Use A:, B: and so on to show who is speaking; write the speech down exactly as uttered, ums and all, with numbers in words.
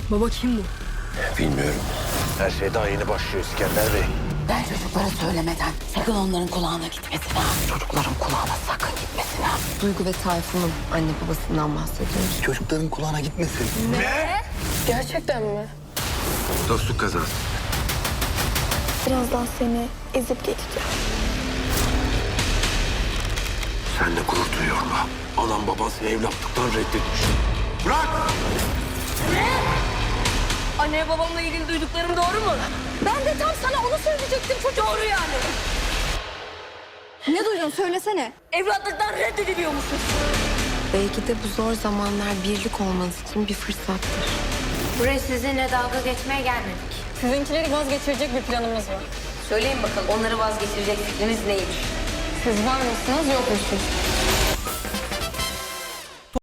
A: Baba kim bu?
B: Bilmiyorum. Her şey daha yeni başlıyor İskender Bey.
C: Ben çocuklara söylemeden sakın onların kulağına gitmesin ha. Çocukların kulağına sakın gitmesin ha.
A: Duygu ve Tayfun'un anne babasından bahsediyoruz.
B: Çocukların kulağına gitmesin.
A: Gerçekten mi?
B: Dostluk kazası.
D: Birazdan seni ezip geçeceğim.
B: Seninle gurur duyuyorum ha. Anam baban seni evlatlıktan reddetmiş. Bırak!
A: Anne babamla ilgili duyduklarım doğru mu?
D: Ben de tam sana onu söyleyecektim çocuk.
A: Doğru yani.
D: Ne duydun söylesene.
A: Evlatlıktan reddediliyormuşsun.
E: Belki de bu zor zamanlar birlik olmanız için bir fırsattır.
F: Buraya sizinle dalga geçmeye gelmedik.
A: Sizinkileri vazgeçirecek bir planımız var.
F: Söyleyin bakalım onları vazgeçirecek fikriniz neymiş?
A: Siz var mısınız yok musunuz?